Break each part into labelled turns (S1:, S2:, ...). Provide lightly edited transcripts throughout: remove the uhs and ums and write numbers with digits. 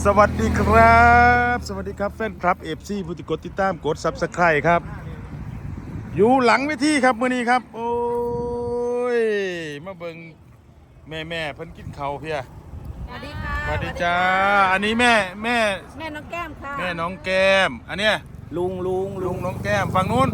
S1: สวัสดีครับสวัสดีครับแฟนคลับเอฟซีผู้ติดกดติดตามกดซับสไครต์ครับอยู่หลังเวทีครับมื้อนี้ครับโอ้ยมาเบิ่งแม่เพิ่นกินข้าวเพีย
S2: สวัสดีค่ะ
S1: สวัสดีจ้าอันนี้แม่
S2: น้องแก้มค่ะ
S1: แม่น้องแก้มอันเนี้ยลุงน้องแก้มฝั่งนู้น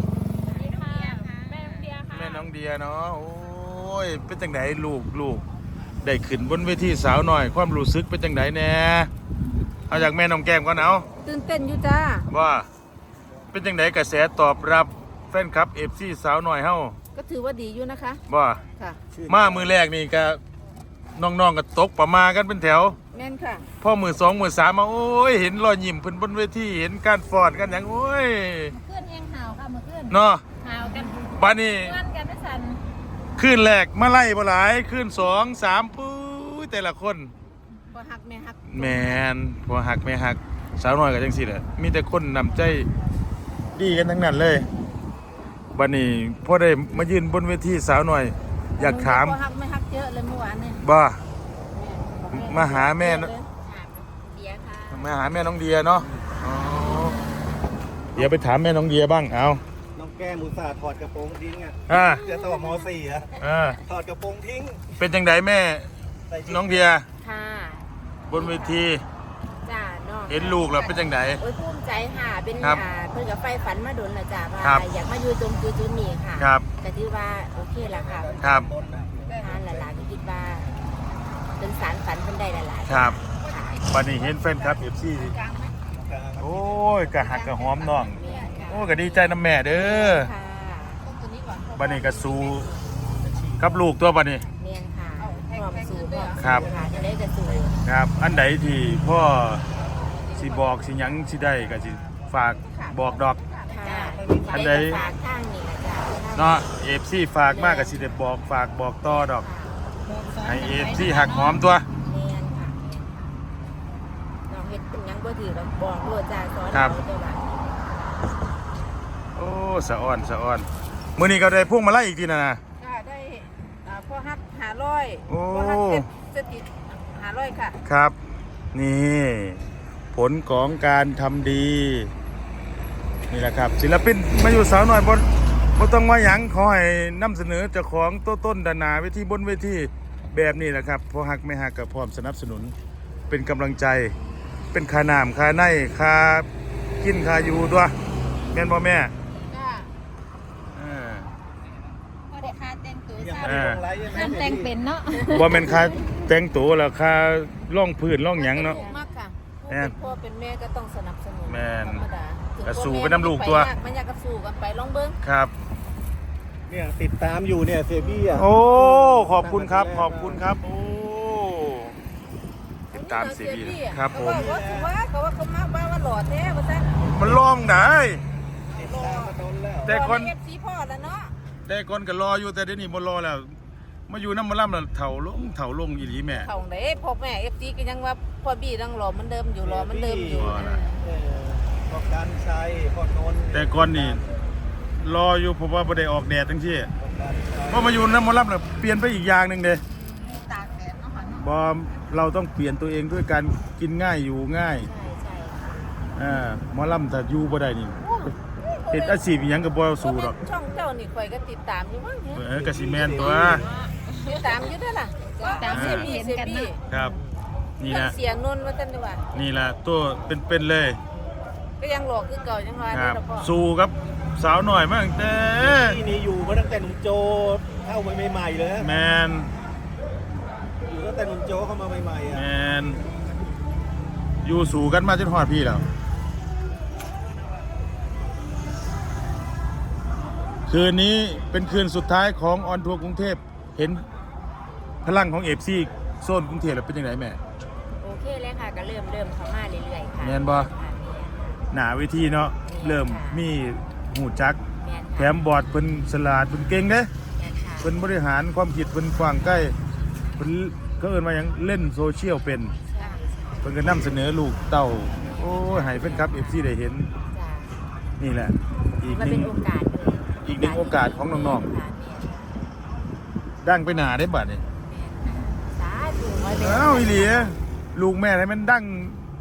S1: แม่น้องเดียเนาะโอ้ยเป็นจังไดลูกได้ขึ้นบนเวทีสาวหน่อยความรู้สึกเป็นจังไดแน่เอาจากแม่น้องแก้มก่อนเอา
S2: ตื่นเต้นอยู่จ้า
S1: ว่าเป็นจังไดกระแสตอบรับแฟนคลับ FC สาวหน่อยเฮา
S2: ก็ถือว่าดีอยู่นะคะ
S1: ว่า
S2: ค่ะ
S1: มามือแรกนี่ก็น้องๆก็ตกประมากันเป็นแถว
S2: แม่นค่ะ
S1: พอมือ2มือ3มาโอ้ยเห็นรอยยิ้มเพิ่นบนเวทีเห็นการฟอดกันหยังโอ้ย
S2: เพื่อนยังห่าวค่ะเมื่อคืน
S1: เนาะ
S2: ห่าวกัน
S1: บัดนี้
S2: กันไม่สั่น
S1: คืนแรกมาไล่บ่หลายคืน2 3ปุ้ยแต่ละคน
S2: พอหักแม่หัก
S1: แม่นพอหักแม่หักสาวน้อยก็จังซี่แหละมีแต่คนนำใจดีกันทั้งนั้นเลยบัดนี้พอได้มายืนบนเวทีสาวน้อยอยากถาม
S2: พอหักไม่หักเยอะเลยเมื่อวานนี่
S1: บ่มาหาแม่
S2: เดียค่ะ
S1: มาหาแม่น้องเดียเนาะเดี๋ยวไปถามแม่น้องเดียบ้างเอา
S3: น้องแก้มอุตส่าห์ถอดกระโปรงทิ้งจะต่อม.4ถอดกระโปรงทิ้ง
S1: เป็นจังไดแม่น้องเดีย
S2: ค่ะ
S1: บนเวที
S2: จ้าน้อง
S1: เห็นลูกแล้วเป็นจังได
S2: โอ้ยภูมิใจค่ะเป็นเพิ่นกับไฟฝันมาดนละจ้าว่าอยากมาอยู่ตรงจุดนี้ค่ะ
S1: ครับ
S2: แต่ถือว่าโอเคแล้วค่ะ
S1: ครับ
S2: ทานหลายๆก็คิดว่าเป็นสารฝันเพิ่นได้หลาย
S1: ๆครับบัดนี้เห็นแฟนคลับ FC โอ้ยกะหักกะหอมน้องโอ้ก็ดีใจนำแม่เด้อบัดนี้ก็สู้กับลูกตัวบัดนี้
S2: เนียนค่ะพร้อมสู้
S1: ครับ
S2: จะได้จะสู้
S1: ครับอันใดที่พ่อสิบอกสิหยังสิได้ก็สิฝากบอกดอกอันใด
S2: ฝากข้างนี่นะจ๊ะ
S1: เนาะFCฝากมากก็สิได้บอกฝากบอกต่อดอกให้FCหักหอมตัว
S2: เนียนค่ะน้องเฮ็ดเป็นหยังบ่ถือแล้วบอกโลดจ้าสอนเราตัวละ
S1: โอ้สะอ่อนมื้อนี้ก็ได้พวงมาลัยอีกทีนะ
S2: ได้พอฮัก500พอฮักเจ็ดติด500ค่ะ
S1: ครับนี่ผลของการทำดีนี่แหละครับศิลปินมาอยู่สาวหน่อยบ่ต้องมาหยังขอให้นำเสนอเจ้าของต้นดานาเวทีบนเวทีแบบนี้แหละครับพอฮักไม่ฮักก็พร้อมสนับสนุนเป็นกำลังใจเป็นค่าน้ำค่าในค่ากินค่าอยู่ด้วยแม่นบ่แม่
S2: แต่งเป็นเนาะ
S1: บ่แม่นค่าแต่งตัวแล้วค่าร่องพื้นร่องหยังเนาะ
S2: มากค่ะเป็นพ่อเป็นแม่ก็ต้องสนับสนุน
S1: แม่น
S2: ธรรมดา
S1: ก็สู้ไปนำลูกตัว
S2: มันอยากก็สู้กันไปลองเบิ่ง
S1: ครับ
S3: เนี่ยติดตามอยู่เนี่ยเซบี้
S1: โอ้ขอบคุณครับโอ้ติดตามเซบี้ครับผม
S2: ว่าเขามาว่าหล่อแท้ว่าซั่น
S1: มันร้องได้แต่คน
S2: FC พ่อแล้วเนาะ
S1: แต่คนก็รออยู่แต่เดี๋ยวนี้บ่รอแล้วมาอยู่น้ำมันล่ำแล้วเถ่าลงอีหลีแม่
S2: เถ่าไหนพ่อแม่ FC ก็ยังว่าพ่อบี้ยังรอมันเดิมอยู่
S3: พ่อการชัยพ่อนนท์
S1: แต่ก่อนนี่รออยู่เพราะว่าบ่ได้ออกแดดจังซี่พอมาอยู่น้ำมันล่ำแล้วเปลี่ยนไปอีกอย่างนึงเด้
S2: ตากแดดเนาะ
S1: บ่เราต้องเปลี่ยนตัวเองด้วยการกินง่ายอยู่ง่าย
S2: ใช่
S1: หมอลำถ้าอยู่บ่ได้นี่เฮ็ดอาชีพอีหยังก็บ่สู้ดอก
S2: ช่องเจ้านี่ข่อยก็ติดตามอยู่มั้ง
S1: ก็สิแม่นตัว
S2: ติดตามอยู่เด้อล่ะตามเสียบี้
S1: ครับนี่นะ
S2: เสียงนนท์ว่าซั่นดีกว่า
S1: นี่ล่ะตัวเป็นเลย
S2: ก็ยังหลอกคือเก่ายังว่า
S1: ครับสู้ครับสาวหน่อยมาตั้งแต่
S3: ที่นี่อยู่มาตั้งแต่หนุ่มโจเข้ามาใหม่ๆเลย
S1: แมน
S3: อยู่ตั้งแต่หนุ่มโจเข้ามาใหม่ๆ
S1: แมนอยู่สู้กันมาจนฮอดพี่แล้วคืนนี้เป็นคืนสุดท้ายของออนทัวร์กรุงเทพเห็นพลังของFCโซนกรุงเทพแล้วเป็นยังไงแม่
S2: โอเคเลยค่ะก็เริ่มเข้ามาเรื่อยๆค่ะ
S1: แม่นบ่หน้าเวทีเนาะเริ่มมีหูจักแถมบอร์ดเพิ่นฉลาดเพิ่นเก่งเด้เพิ่นบริหารความคิดเพิ่นกว้างใกล้เพิ่นก็เอิ้นว่าหยังเล่นโซเชียลเป็นเพิ่นก็นำเสนอลูกเต้าโอ้ยให้แฟนคลับ FC ได้เห็นนี่แหละอีกหนึ่งโอกาสของน้องๆดังไปหนาได้บัดนี่อ้าวอีหลีลูกแม่ให้มันดัง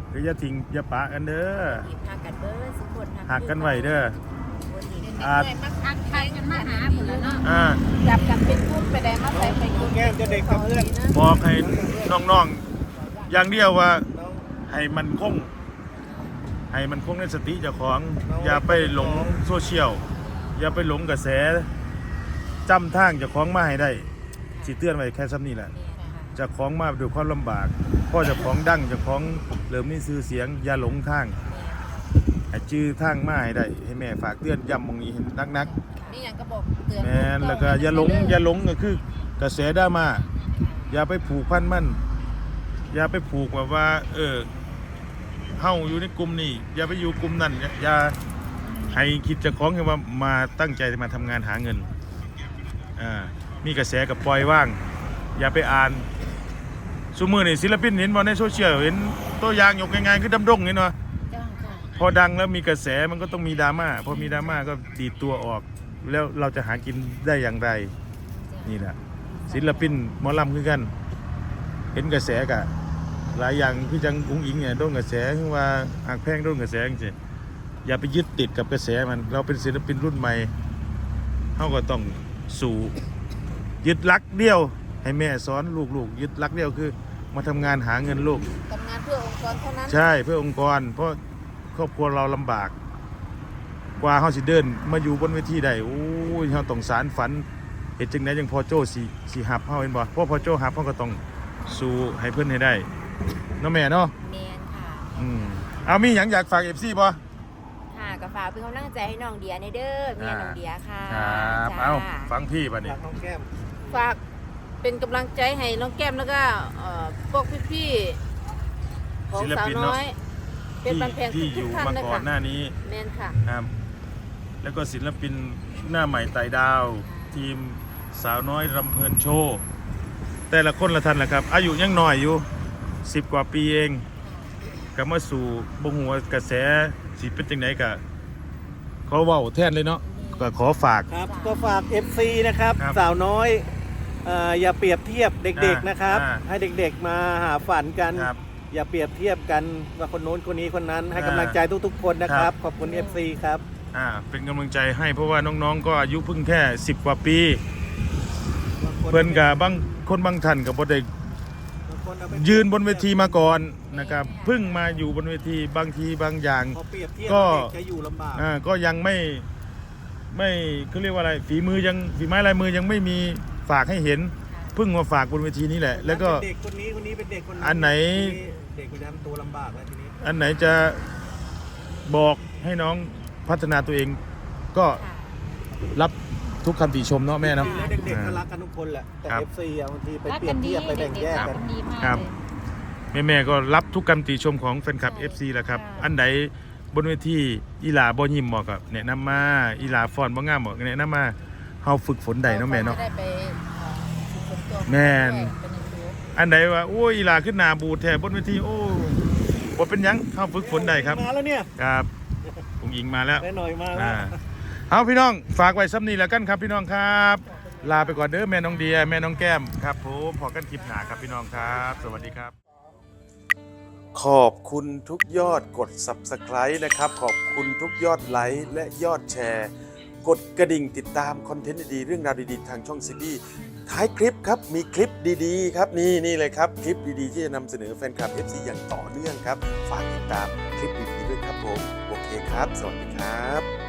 S1: คืออย่าทิ้งอย่าปะกันเด้อ
S2: ทีมหักกันเบิร์สุกคน
S1: หักกันไว้เด้อ
S2: อาจทักทายกันมาหาหมดแล้วเนาะจับกันเป็นกลุ่มไปได้มาใส่ไปกลุ่ม
S3: แก้มจะเด็กกับเพื่อน
S1: บอกให้น้องๆอย่างเดียวว่าให้มันคงในสติเจ้าของอย่าไปหลงโซเชียลอย่าไปหลงกระแสจำทางเจ้าของมาให้ได้สิเตือนไว้แค่ซ้ำนี้แหละเจ้าของมาด้วยความลำบากพ่อเจ้าของดังเจ้าของเริ่มมีชื่อเสียงอย่าหลงทางให้จื้อทางมาให้ได้ให้แม่ฝากเตือนย้ำมองนี้ให้นัก
S2: นี่ยังก็บอกเตือน
S1: แม่นแล้วก็อย่าหลงก็คือกระแสดราม่าอย่าไปผูกพันมันอย่าไปผูกแบบว่าเฮาอยู่ในกลุ่มนี้อย่าไปอยู่กลุ่มนั้นอย่าให้คิดเจ้าของแค่ว่ามาตั้งใจมาทำงานหาเงินมีกระแสกับปล่อยว่างอย่าไปอ่านซุมื้อนี่ศิลปินเห็นบ่ในโซเชียลเห็นตัวอย่างยกง่ายๆคือดำดงเห็นบ่พอดังแล้วมีกระแสมันก็ต้องมีดราม่าพอมีดราม่าก็ตีตัวออกแล้วเราจะหากินได้อย่างไรนี่แหละศิลปินหมอลำคือกันเห็นกระแสกะหลายอย่างพี่จังอุ้งอิงเนี่ยโดนกระแสคือว่าหักแพงโดนกระแสจริงๆอย่าไปยึดติดกับกระแสมันเราเป็นศิลปินรุ่นใหม่เขาก็ต้องสู่ยึดหลักเดียวให้แม่สอนลูกๆยึดหลักเดียวคือมาทำงานหาเงินลูก
S2: ทำงานเพื่อองค์กรเท่านั้น
S1: ใช่เพื่อองค์กรเพราะครอบครัวเราลำบากกว่าเขาสิเดินมาอยู่บนเวทีได้โอ้ยเขาต้องสารฝันเห็นจังไดยังพอโจ้สิหับเขาเห็นบ่เพราะพอโจ้หับเขาก็ต้องสู้ให้เพื่อนให้ได้เนาะแม่เนาะ
S2: แมนค่ะ
S1: เอามีหยังอยากฝาก FC บ่
S2: ค่ะก็ฝากเป็นกำลังใจให้น้องเดียในเด้อเมียน้องเดียค่ะ
S1: ครับ
S2: จ้
S1: เอาฟังพี่บัดนี้
S3: รักน้องแก้ม
S2: ฝากเป็นกำลังใจให้น้องแก้มแล้วก็พวกพี่ๆของสาวน้อยเป็นบันแพง
S1: ที่อ
S2: ทุก
S1: ยู่
S2: ๆท่าน
S1: มา
S2: เลย
S1: ก่อ
S2: ค่ะ
S1: นหน้านี้
S2: แมนค่ะ
S1: ครับแล้วก็ศิลปินหน้าใหม่ไต่ดาว ทีมสาวน้อยรำเพลินโชว์แต่ละคนละท่านแหละครับอายุยังน้อยอยู่10 กว่าปีเองก็มาสู่บ่ฮู้ว่ากระแสสิเป็นจังไดก็ขอเว้าแทนเลยเนาะก็ขอฝาก
S3: ครับก็ฝาก FC นะครับ
S1: ครับ
S3: สาวน้อยอย่าเปรียบเทียบเด็กๆนะครับ
S1: อ่า
S3: ให้เด็กๆมาหาฝันกัน
S1: ครับ
S3: อย่าเปรียบเทียบกันว่าคนโน้นคนนี้คนนั้นให้
S1: อ่าก
S3: ำลังใจทุกๆคนนะค
S1: ครั
S3: รับ
S1: บ
S3: ขอบคุณ FC ครับ
S1: เป็นกำลังใจให้เพราะว่าน้องๆก็อายุเพิ่งแค่10 กว่าปีเพิ่นกับบางคนบางท่านก็บ่ได้ยืนบนเวทีมาก่อนนะครับเพิ่งมาอยู่บนเวทีบางทีบางอย่าง
S3: พอเปรียบเทียบ
S1: ก็
S3: เด็กจะอยู่ลำบาก
S1: ก็ยังไม่เขาเรียกว่าอะไรฝีไม้ลายมือยังไม่มีฝากให้เห็นเพิ่งมาฝากบนเวทีนี้แหละ แล้วก็
S3: เด็กคนนี้คนนี้เป็นเด็กคน
S1: อันไหน
S3: เด็กคนนั้นตัวลำบากแล้วทีนี้
S1: อันไหนจะบอกให้น้องพัฒนาตัวเองก็รับทุกคำติชมเนาะแม่เนาะ
S3: แล้วเด็กๆก็รักกันทุกคนแหละแต่
S1: ครับ
S3: FC บางทีไปเปรียบเทียบไปแบ่งแยกกัน
S1: ครับแม่ก็รับทุกคำติชมของแฟนคลับ FC แหละครับอันไหนบนเวทีอีหลาบ่ยิ้มบอกกับแนะนำมาอีหลาฟอนบ่งามบอกแนะนำมาเฮาฝึกฝนได้เนาะแม่เนาะ
S2: ได้ไปฝึกฝนตัว
S1: แม่น
S2: เป็นอย่างนี้
S1: อันไหนว่าโอ้ยอีหลาขึ้นหน้าบูดแท้บนเวทีโอ้บ่เป็นหยังเฮาฝึกฝนได้ครับ
S3: มาแล้วเนี่ย
S1: ครับองค์หญิงมาแล้ว
S3: แม่หน่อยมาแล้ว
S1: เอาพี่น้องฝากไว้ซ้ำนี้แล้วกันครับพี่น้องครับ ลาไปก่อนเด้อแม่น้องเดียแม่น้องแก้มครับผมพอกันคลิปหน้าครับพี่น้องครับ สวัสดีครับ ขอบคุณทุกยอดกด Subscribe นะครับ ขอบคุณทุกยอดไลค์และยอดแชร์ กดกระดิ่งติดตามคอนเทนต์ดีๆเรื่องราวดีๆทางช่องซีบีท้ายคลิปครับมีคลิปดีๆครับนี่เลยครับคลิปดีๆที่จะนำเสนอแฟนคลับ FC อย่างต่อเนื่องครับฝากติดตามคลิปดีๆด้วยครับผมโอเคครับ สวัสดีครับ